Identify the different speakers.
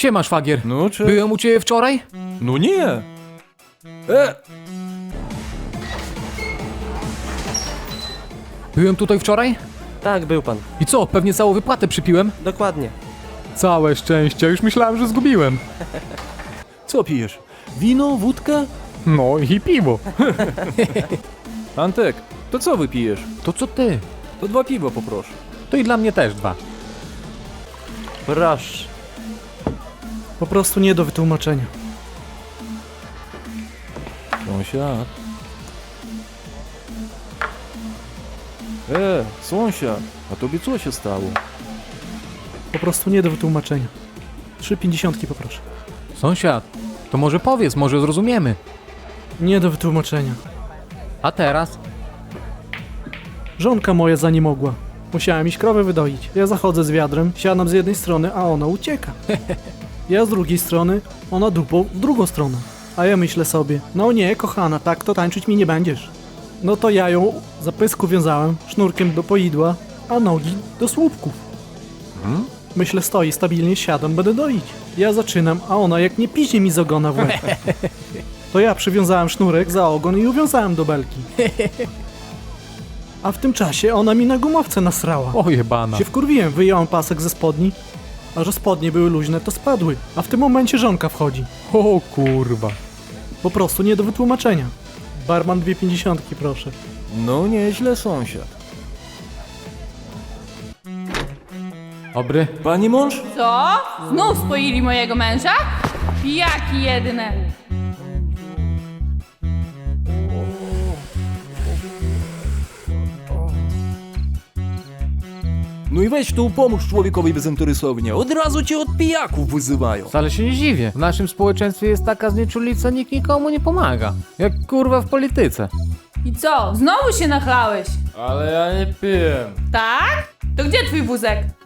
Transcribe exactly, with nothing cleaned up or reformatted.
Speaker 1: Siema, szwagier.
Speaker 2: No czy...
Speaker 1: Byłem u ciebie wczoraj?
Speaker 2: No nie! E!
Speaker 1: Byłem tutaj wczoraj?
Speaker 3: Tak, był pan.
Speaker 1: I co, pewnie całą wypłatę przypiłem?
Speaker 3: Dokładnie.
Speaker 1: Całe szczęście, już myślałem, że zgubiłem.
Speaker 2: Co pijesz? Wino, wódkę?
Speaker 1: No i piwo.
Speaker 2: Antek, to co wypijesz?
Speaker 1: To co ty?
Speaker 2: To dwa piwa poproszę.
Speaker 1: To i dla mnie też dwa.
Speaker 3: Proszę.
Speaker 4: Po prostu nie do wytłumaczenia.
Speaker 2: Sąsiad. E, sąsiad, a tobie co się stało?
Speaker 4: Po prostu nie do wytłumaczenia. Trzy pięćdziesiątki poproszę.
Speaker 1: Sąsiad, to może powiedz, może zrozumiemy.
Speaker 4: Nie do wytłumaczenia.
Speaker 1: A teraz?
Speaker 4: Żonka moja za nie mogła. Musiałem iść krowę wydoić. Ja zachodzę z wiadrem, siadam z jednej strony, a ona ucieka. Ja z drugiej strony, ona dupą w drugą stronę. A ja myślę sobie, no nie, kochana, tak to tańczyć mi nie będziesz. No to ja ją za pysku wiązałem, sznurkiem do poidła, a nogi do słupków.
Speaker 1: Hmm?
Speaker 4: Myślę, stoi stabilnie, siadam, będę doić. Ja zaczynam, a ona jak nie piźnie mi z ogona w łeb. To ja przywiązałem sznurek za ogon i uwiązałem do belki. A w tym czasie ona mi na gumowce nasrała.
Speaker 1: O jebana.
Speaker 4: Się wkurwiłem, wyjąłem pasek ze spodni, a że spodnie były luźne, to spadły. A w tym momencie żonka wchodzi.
Speaker 1: O kurwa.
Speaker 4: Po prostu nie do wytłumaczenia. Barman dwie pięćdziesiątki, proszę.
Speaker 2: No nieźle, sąsiad.
Speaker 1: Dobry.
Speaker 2: Pani mąż?
Speaker 5: Co? Znów spoili mojego męża? Pijaki jedne.
Speaker 2: No i weź tu pomóż człowiekowi bezinteresownie. Od razu cię od pijaków wyzywają.
Speaker 1: Wcale się nie dziwię. W naszym społeczeństwie jest taka znieczulica, nikt nikomu nie pomaga. Jak kurwa w polityce.
Speaker 5: I co? Znowu się nachlałeś?
Speaker 2: Ale ja nie piję.
Speaker 5: Tak? To gdzie twój wózek?